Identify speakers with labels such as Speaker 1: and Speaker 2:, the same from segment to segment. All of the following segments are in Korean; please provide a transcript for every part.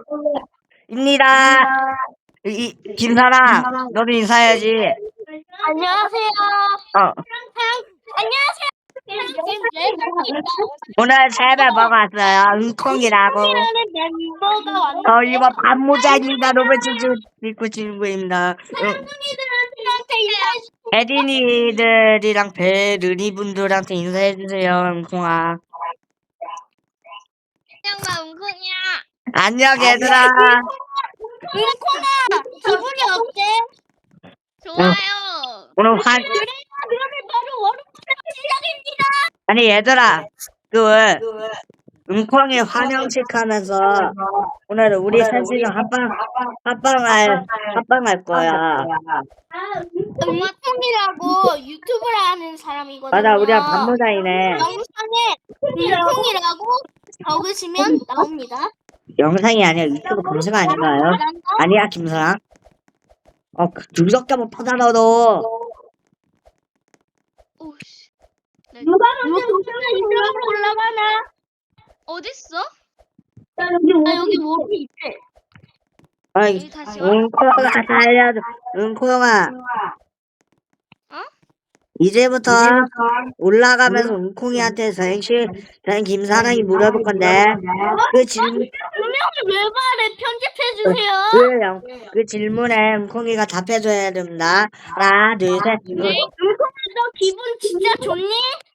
Speaker 1: 입니다. 김사랑, 너도 인사해야지.
Speaker 2: 안녕하세요. 안녕하세요.
Speaker 1: 오늘 새벽 먹었어요. 응콩이라고.
Speaker 2: 이라는 멤버가 왔는데
Speaker 1: 이거 반모자입니다. 로베츠 믿고 친구입니다.
Speaker 2: 친구들한테 인사해
Speaker 1: 에디니들이랑 베르니 분들한테 인사해주세요. 응콩아.
Speaker 2: 주세요. 웅콩이야.
Speaker 1: 안녕 얘들아.
Speaker 2: 웅콩아, 기분이 어때? 좋아요.
Speaker 1: 오늘
Speaker 2: 그러면 바로 월요일 시작입니다.
Speaker 1: 아니 얘들아 응콩이 환영식 하면서 오늘 우리 셋이서 합방할 거야.
Speaker 2: 웅콩이라고 유튜브를 하는 사람이거든요.
Speaker 1: 맞아, 우리가 반모자이네.
Speaker 2: 영상에 웅콩이라고 적으시면 나옵니다.
Speaker 1: 영상이 아니라 유튜브 검색 아닌가요? 아니야 김사랑. 두석개 못 받아 너도.
Speaker 2: 오씨. 누가 먼저 유튜브로 올라가나? 어딨어? 나 여기 몸이 있대.
Speaker 1: 아이,
Speaker 2: 다시
Speaker 1: 응콩아 살려줘. 응콩아. 이제부터 올라가면서 응콩이한테 저희 김사랑이 물어볼 건데 그 질문
Speaker 2: 분명히 왜 말해? 편집해주세요.
Speaker 1: 그 질문에 응콩이가 답해줘야 됩니다. 하나, 둘, 셋.
Speaker 2: 네. 응콩아, 너 기분 진짜 좋니?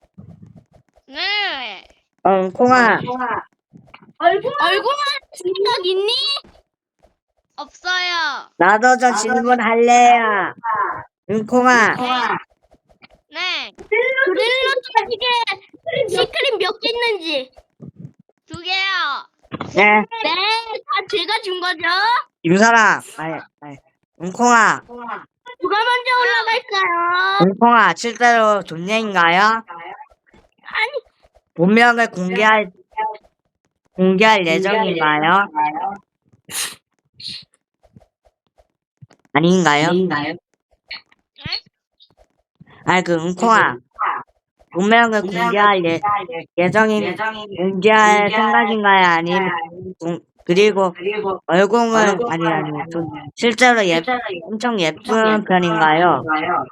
Speaker 2: 네.
Speaker 1: 응콩아.
Speaker 2: 얼굴만 생각 있니? 없어요.
Speaker 1: 나도 저 질문할래요. 응콩아.
Speaker 2: 네. 그릴로 쪽지게 시크릿 몇 개 있는지. 2개요.
Speaker 1: 네.
Speaker 2: 네, 다 제가 준 거죠.
Speaker 1: 김사랑. 아니. 응콩아.
Speaker 2: 누가 먼저 올라갈까요?
Speaker 1: 응콩아, 실제로 존예인가요?
Speaker 2: 아니,
Speaker 1: 본명을 공개할 예정인가요? 아닌가요? 응콩아. 본명을 공개할 공개할 생각인가요? 아니면 그리고 얼굴은 실제로 엄청 예쁜 편인가요?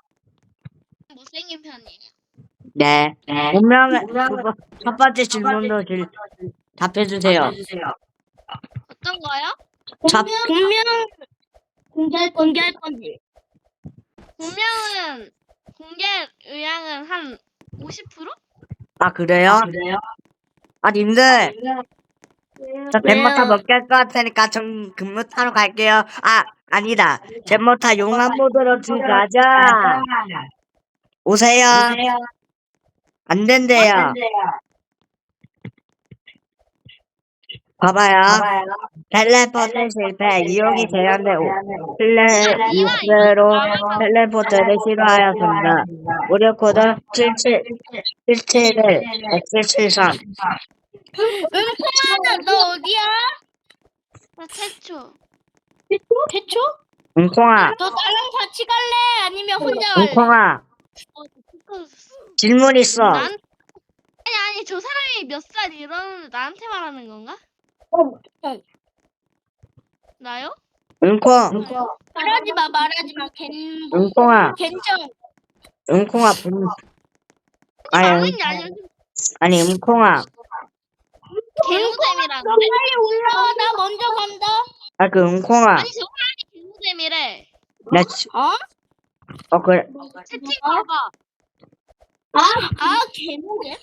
Speaker 2: 못생긴 편이에요.
Speaker 1: 네. 본명을 첫 번째 질문도 답해주세요.
Speaker 2: 어떤 거요?
Speaker 1: 자,
Speaker 2: 본명 공개할 건지. 본명은 공개 의향은 한 50%?
Speaker 1: 그래요? 님들 저 잼모타 못 갈 것 같으니까 좀 근무타로 갈게요. 아니다. 잼모타 용암 모드로 가자. 오세요. 안 된대요. 봐봐요. 텔레포트 실패. 이용이 제한돼. 플레이스로 텔레포트를 시도하였습니다. 무료 코드 7711 X73.
Speaker 2: 응콩아, 너 어디야? 나 태초. 태초?
Speaker 1: 응콩아.
Speaker 2: 너 나랑 같이 갈래? 아니면 혼자 갈래?
Speaker 1: 응콩아. 질문 있어.
Speaker 2: 아니, 저 사람이 몇 살 이러는데 나한테 말하는 건가? 나요?
Speaker 1: 응콩.
Speaker 2: 말하지 마.
Speaker 1: 응콩아.
Speaker 2: 괜찮.
Speaker 1: 응콩아. 아니, 응콩아.
Speaker 2: 개우잼이라는데? 너 빨리 올라와. 나 먼저 간다.
Speaker 1: 응콩아.
Speaker 2: 아니, 저 사람이 개우잼이래.
Speaker 1: 그래.
Speaker 2: 채팅 봐봐. 개우잼?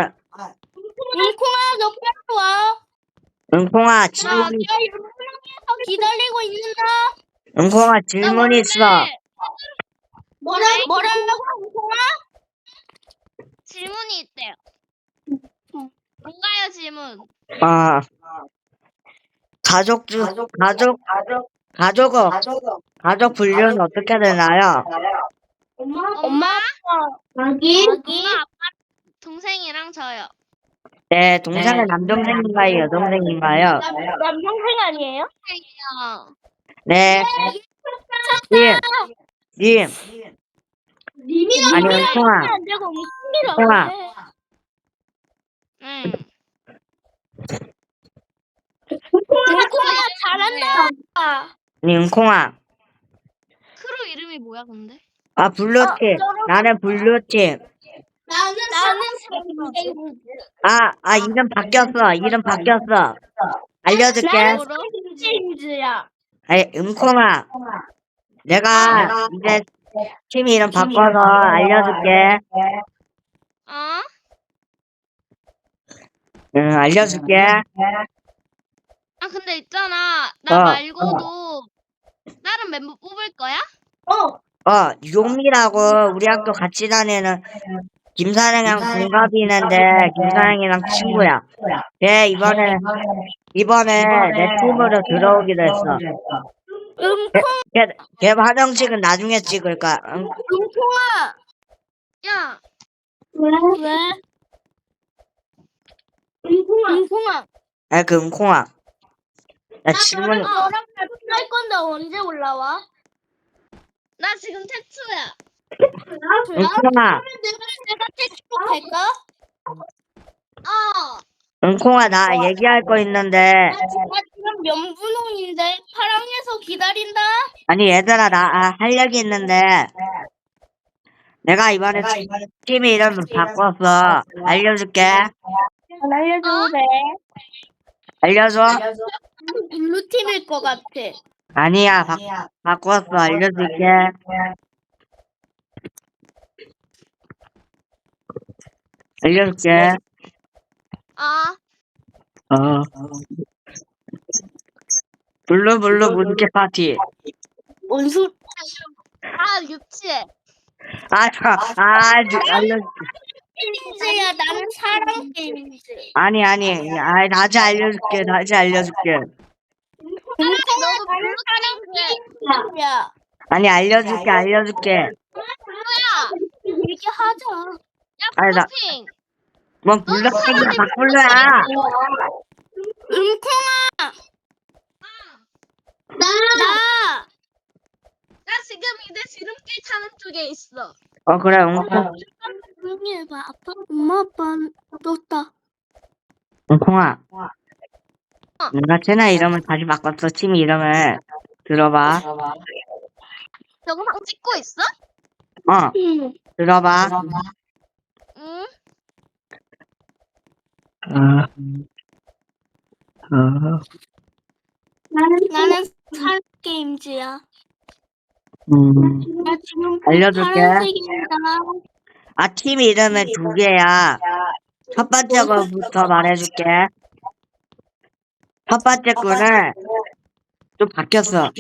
Speaker 2: 응콩아, 너 빨리 와.
Speaker 1: 응콩아,
Speaker 2: 나 유명해서 기다리고 있는다.
Speaker 1: 응콩아, 질문 있어.
Speaker 2: 뭐라고, 응콩아? 질문이 있대요. 뭔가요, 질문?
Speaker 1: 가족 분류는 어떻게 되나요?
Speaker 2: 엄마, 아기, 아빠, 동생이랑 저요.
Speaker 1: 네, 동생은 남동생인가요, 여동생인가요?
Speaker 2: 남동생 아니에요?
Speaker 1: 네. 님. 아니, 응콩아. 응콩아.
Speaker 2: 응콩아, 잘
Speaker 1: 아니, 은콩아.
Speaker 2: 크루 이름이 뭐야 근데?
Speaker 1: 아, 블루팀. 나는 블루팀.
Speaker 3: 나는
Speaker 1: 이름 바뀌었어. 이름 바뀌었어. 알려줄게.
Speaker 2: 뭐로?
Speaker 3: 체인지야.
Speaker 1: 아니, 은콩아. 내가 이제 팀 이름 바꿔서 알려줄게.
Speaker 2: 어?
Speaker 1: 응, 알려줄게.
Speaker 2: 아 근데 있잖아 나
Speaker 1: 어.
Speaker 2: 말고도 다른 멤버 뽑을 거야?
Speaker 1: 용미라고 우리 학교 같이 다니는 김사랑이랑 동갑이 있는데, 김사랑이랑 친구야. 걔 이번에 내 팀으로 들어오기로 했어. 걔 화장식은 나중에 찍을 거야. 응?
Speaker 3: 은콩아.
Speaker 2: 야
Speaker 3: 왜? 은콩아.
Speaker 1: 그 은콩아. 나 질문,
Speaker 3: 너랑 할 건데 언제 올라와?
Speaker 2: 나 지금 태초야.
Speaker 1: 은콩아.
Speaker 3: 내가 택시로 갈까?
Speaker 1: 은콩아, 나 얘기할 거 있는데.
Speaker 3: 나 지금 면분홍인데 파랑에서 기다린다.
Speaker 1: 아니, 얘들아, 나 할 얘기 있는데. 내가 이번에 팀 이름을 바꿨어. 알려줄게.
Speaker 3: 알려줘도 돼.
Speaker 1: 알려줘?
Speaker 3: 블루팀일 것 같아.
Speaker 1: 아니야, 바꿨어. 알려줄게. 알려줄게. 블루 문제 파티.
Speaker 3: 원수
Speaker 2: 유치해.
Speaker 1: 알려줄게.
Speaker 3: 게임즈야. 나는 사랑 게임즈.
Speaker 1: 아니, 다시 알려줄게.
Speaker 3: 은콩아, 나는 사랑 게임즈야.
Speaker 1: 아니, 알려줄게.
Speaker 2: 뭐야?
Speaker 3: 얘기하자.
Speaker 1: 아니,
Speaker 2: 블루핑.
Speaker 1: 뭔 블루색이야, 박블루야.
Speaker 3: 은콩아. 나.
Speaker 2: 나 지금 이제 지름길 타는 쪽에 있어.
Speaker 1: 그래, 은콩.
Speaker 3: 조용히 해봐. 아빠, 엄마, 아빠 떴다.
Speaker 1: 은콩아. 내가 채널 이름을 다시 바꿨어. 팀 이름을. 들어봐.
Speaker 2: 영상 찍고 있어?
Speaker 3: 응.
Speaker 1: 들어봐.
Speaker 2: 응.
Speaker 3: 나는 사랑 게임즈야. 나 지금
Speaker 1: 알려줄게.
Speaker 3: 파란색입니다.
Speaker 1: 팀 이름은 2개야. 첫 번째 거부터 말해줄게. 첫 번째 거는 좀 바뀌었어.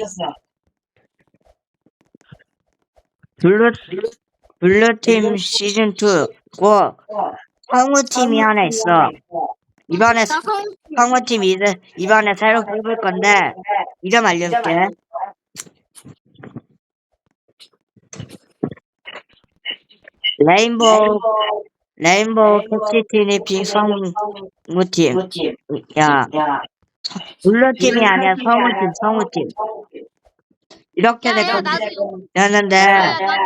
Speaker 1: 블루팀 시즌2고 성우팀이 하나 있어. 이번에
Speaker 3: 나
Speaker 1: 성우팀 이번에 새로 뽑을 건데 이름 알려줄게. 레인보우 캐치티니 빙 성우팀. 야, 블루팀이 아니야. 성우팀. 이렇게
Speaker 2: 야야 나도
Speaker 1: 됐는데
Speaker 2: 야야 나도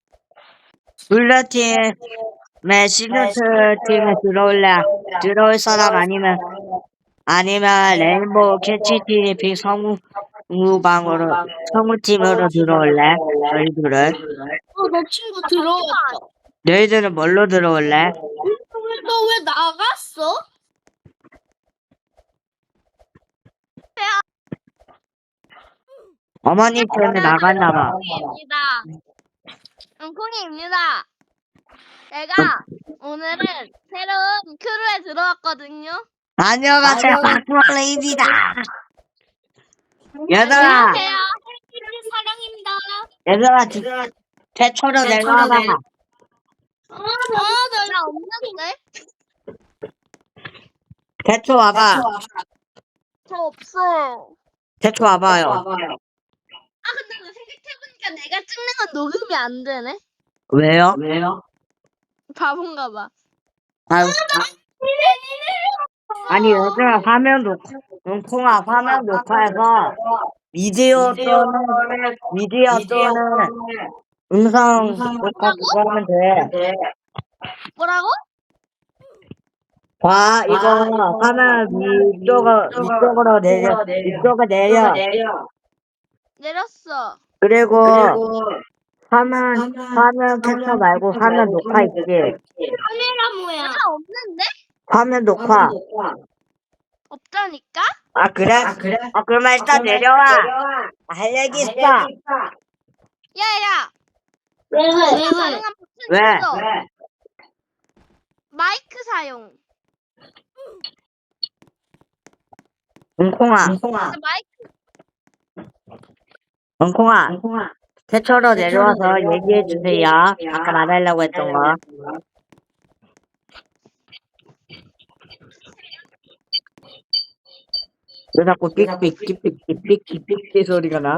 Speaker 1: 블루팀의 시즌2 팀에 들어올 사람 아니면 레인보우 캐치티니 빙 성우팀으로 들어올래? 너희들은?
Speaker 3: 내 친구 들어왔어.
Speaker 1: 너희들은 뭘로 들어올래?
Speaker 3: 너 왜 나갔어?
Speaker 1: 어머님 때문에 나갔나봐.
Speaker 2: 은콩이입니다. 제가 오늘은 새로운 크루에 들어왔거든요.
Speaker 1: 안녕하세요, 박블레입니다. 얘들아,
Speaker 2: 안녕하세요.
Speaker 3: 사랑입니다.
Speaker 1: 최초로 내려와봐.
Speaker 2: 나 없는데?
Speaker 1: 최초 와봐.
Speaker 2: 저 없어요.
Speaker 1: 최초 와봐요.
Speaker 2: 근데 생각해보니까 내가 찍는 건 녹음이 안 되네.
Speaker 1: 왜요?
Speaker 2: 바본가 봐.
Speaker 1: 아니, 얘들아, 은콩아, 화면 녹화해서 미디어 또는 음성 녹화 그거 하면 돼.
Speaker 2: 뭐라고?
Speaker 1: 봐, 이거 하면 위쪽으로 내려, 위쪽으로 내려.
Speaker 2: 내렸어.
Speaker 1: 그리고 화면 캡처 말고 화면 녹화 있지.
Speaker 3: 카메라 뭐야?
Speaker 2: 나 없는데?
Speaker 1: 화면 녹화.
Speaker 2: 없다니까?
Speaker 1: 아, 그래? 그러면 일단 내려와. 할 얘기 있어.
Speaker 2: 야야.
Speaker 3: 왜?
Speaker 2: 가능한 버튼
Speaker 1: 왜?
Speaker 2: 눌러. 마이크 사용.
Speaker 1: 웅콩아,
Speaker 2: 근데 마이크
Speaker 1: 웅콩아. 태초로 내려와서 얘기해 주세요. 아까 말하려고 했던 거. 왜 자꾸 삑삑 소리가 나?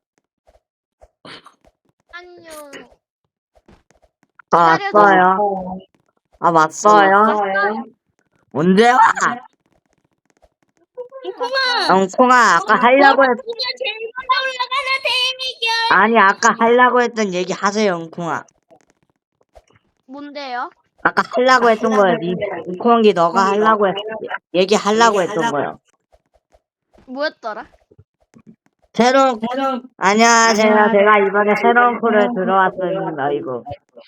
Speaker 2: 안녕.
Speaker 1: 아, 왔어요. 아, 왔어요. 언제 와? 웅콩아, 아까 하려고 했,
Speaker 3: 그냥 제일 먼저 올라가는 대미겨.
Speaker 1: 아니, 아까 하려고 했던 얘기 하세요, 웅콩아.
Speaker 2: 뭔데요?
Speaker 1: 아까 하려고 했던 거야. 웅콩이 너가 얘기하려고 했던 거야.
Speaker 2: 뭐였더라?
Speaker 1: 안녕하세요. 제가 이번에 새로운 코를 들어왔습니다, 이거.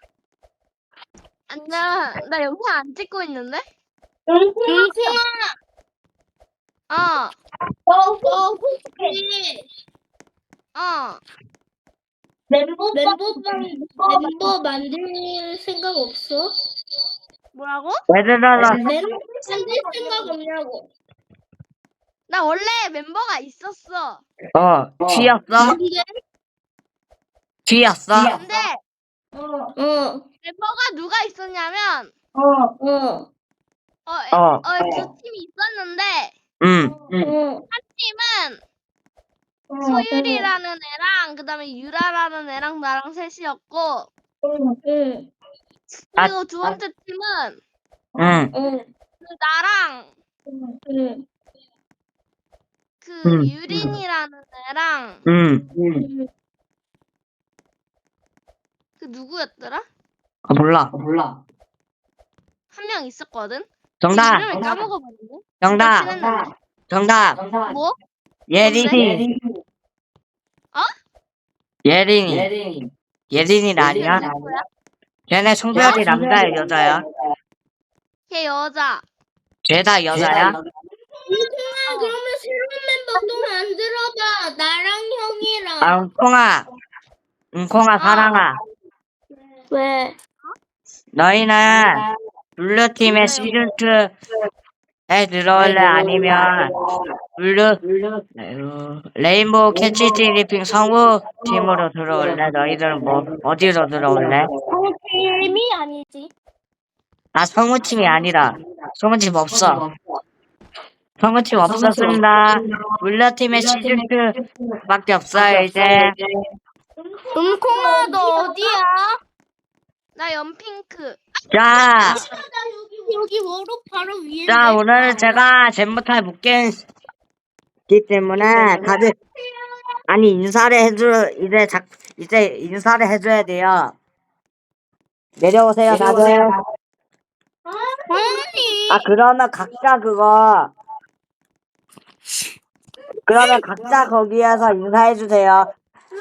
Speaker 2: 안녕. 나 영상 안 찍고 있는데?
Speaker 3: 웅콩아,
Speaker 2: 어.
Speaker 3: 너 혹시
Speaker 2: 어.
Speaker 3: 멤버 만들 생각 없어?
Speaker 2: 뭐라고?
Speaker 1: 왜 들어라?
Speaker 3: 멤버 만들 생각 없냐고.
Speaker 2: 나 원래 멤버가 있었어.
Speaker 1: 쥐였어?
Speaker 2: 근데
Speaker 3: 어.
Speaker 2: 멤버가 누가 있었냐면 두 팀이 있었는데 한 팀은 소율이라는 애랑 그다음에 유라라는 애랑 나랑 셋이었고 그리고 두 번째 팀은 나랑 유린이라는 애랑 누구였더라?
Speaker 1: 몰라.
Speaker 2: 한 명 있었거든.
Speaker 1: 정답.
Speaker 2: 이름을 까먹어버리네.
Speaker 1: 정답.
Speaker 2: 친했는데.
Speaker 1: 정답.
Speaker 2: 뭐?
Speaker 1: 예린이. 예린이 아니야?
Speaker 2: 누구야?
Speaker 1: 걔네 성별이 남자야, 여자야?
Speaker 2: 걔 여자.
Speaker 1: 죄다 여자야?
Speaker 3: 웅콩아, 그러면 새로운 멤버 또 만들어봐. 나랑 형이랑.
Speaker 1: 아, 웅콩아, 사랑아.
Speaker 3: 왜?
Speaker 1: 너희는 블루팀의 시즌2에 들어올래? 아니면 레인보우 캐치 티리핑 성우 팀으로 들어올래? 너희들은 어디로 들어올래?
Speaker 3: 팀이 아니지.
Speaker 1: 아, 성우팀이 아니라. 성우팀 없어. 성우팀 없었습니다. 블루팀의 시즌2밖에 없어요, 이제.
Speaker 3: 웅콩아, 너 어디야?
Speaker 2: 나 연핑크.
Speaker 1: 자,
Speaker 3: 여기 워로 바로 위에.
Speaker 1: 오늘은 제가 잼부터 묶였기 때문에 다들, 아니, 이제 인사를 해줘야 돼요. 내려오세요, 다들.
Speaker 3: 아니.
Speaker 1: 그러면 각자 거기에서 인사해주세요.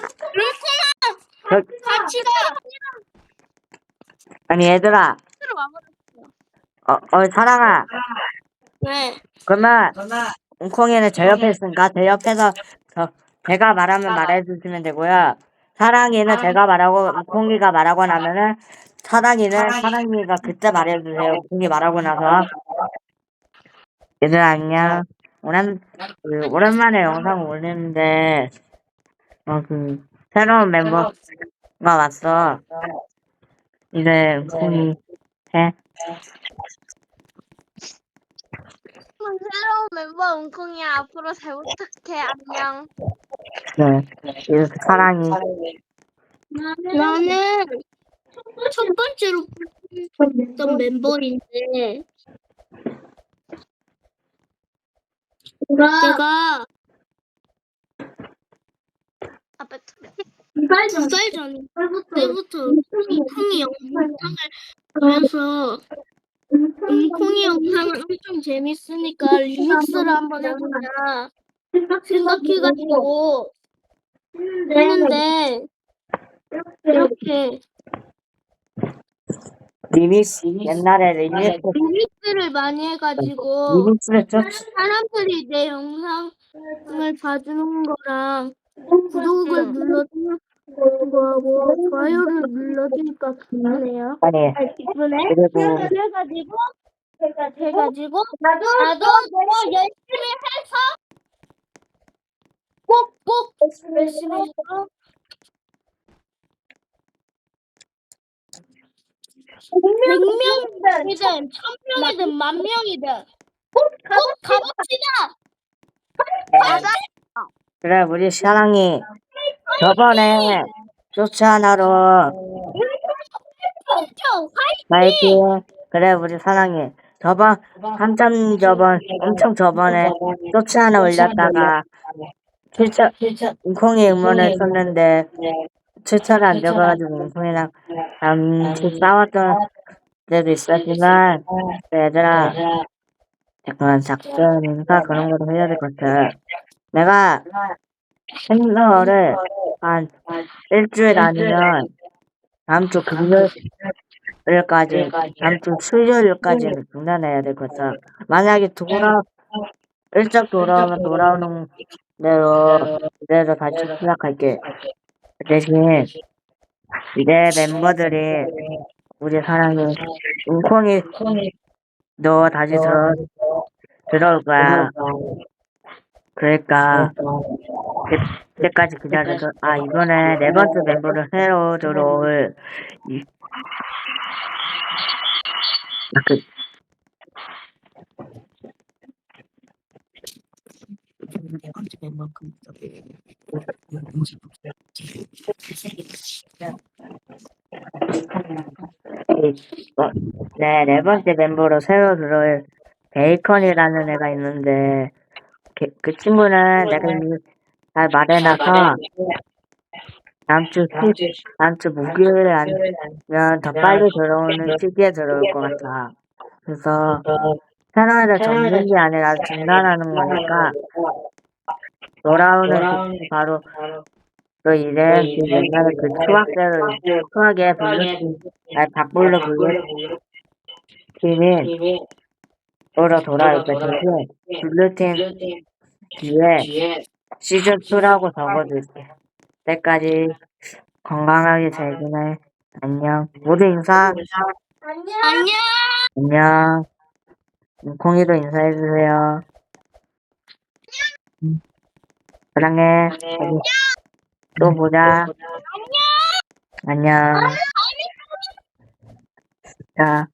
Speaker 3: 같이 가.
Speaker 1: 아니, 얘들아.
Speaker 2: 스스로 와버렸어.
Speaker 1: 사랑아.
Speaker 3: 네.
Speaker 1: 그러면, 웅콩이는 제 옆에 있으니까, 제 옆에서, 제가 말하면 말해주시면 되고요. 사랑이는 제가 말하고, 웅콩이가 말하고 나면은, 사랑이가 그때 말해주세요. 웅콩이 말하고 나서. 얘들아, 안녕. 오랜만에 영상 올리는데, 새로운 멤버가 왔어. 이제 웅콩이 해.
Speaker 2: 새로운 멤버 웅콩이야. 앞으로 잘 부탁해. 안녕.
Speaker 1: 네. 이렇게 사랑이.
Speaker 3: 나는 첫 번째로 뽑혔던 멤버인데 내가
Speaker 2: 앞에 투표.
Speaker 3: 2살 전 때부터 웅콩이 영상을 보면서 콩이 영상은 엄청 재밌으니까 리믹스를 한번 해보자 생각해가지고 했는데 이렇게
Speaker 1: 리믹스, 옛날에
Speaker 3: 리믹스를 많이 해가지고
Speaker 1: 리믹스를 좀,
Speaker 3: 사람들이 내 영상을 봐주는 거랑 구독을 눌러주는 거하고 좋아요를 눌러주니까 기쁘네요.
Speaker 1: 아니,
Speaker 3: 기쁘네.
Speaker 1: 그리고,
Speaker 3: 해가지고 나도 더 열심히 해서 꼭꼭 열심히 해서 100명이든 1000명이든 10,000명이든 꼭 가봅시다.
Speaker 1: 그래, 우리 사랑이 저번에 쇼츠 하나로 파이팅! 그래, 우리 사랑이 엄청 저번에 쇼츠 하나 올렸다가 웅콩이 응원했었는데, 출처가 안 돼가지고 웅콩이랑 잠시 싸웠던 때도 있었지만, 얘들아, 그런 작전 인사 그런 것도 해야 될 것 같아. 내가 생일을 한 일주일 아니면 다음 주 금요일까지, 다음 주 수요일까지는 중단해야 될 것 같아. 만약에 일찍 돌아오면 돌아오는 대로 다시 시작할게. 그 대신 이제 멤버들이 우리 사랑해 웅콩이 너 다시 들어올 거야. 그러니까 그때까지 기다려서 이번에 네 번째 멤버를 새로 들어올 그 네 번째 멤버로 새로 들어올 베이컨이라는 애가 있는데 그 친구는 내가 이미 잘 말해놔서 다음 주 목요일에 아니면 더 빨리 들어오는 시기에 들어올 것 같아. 그래서 채널을 접는 게 아니라 중단하는 거니까 돌아오는 시기 바로 이제 그 옛날에 그 추하게 박불로 블루팀이 돌아올 때 대신 블루팀 뒤에 시즌2라고 적어줄게. 그때까지 건강하게 잘 지내. 안녕. 모두 인사.
Speaker 3: 안녕.
Speaker 1: 안녕. 콩이도 인사해주세요. 사랑해. 또 보자. 안녕. 자.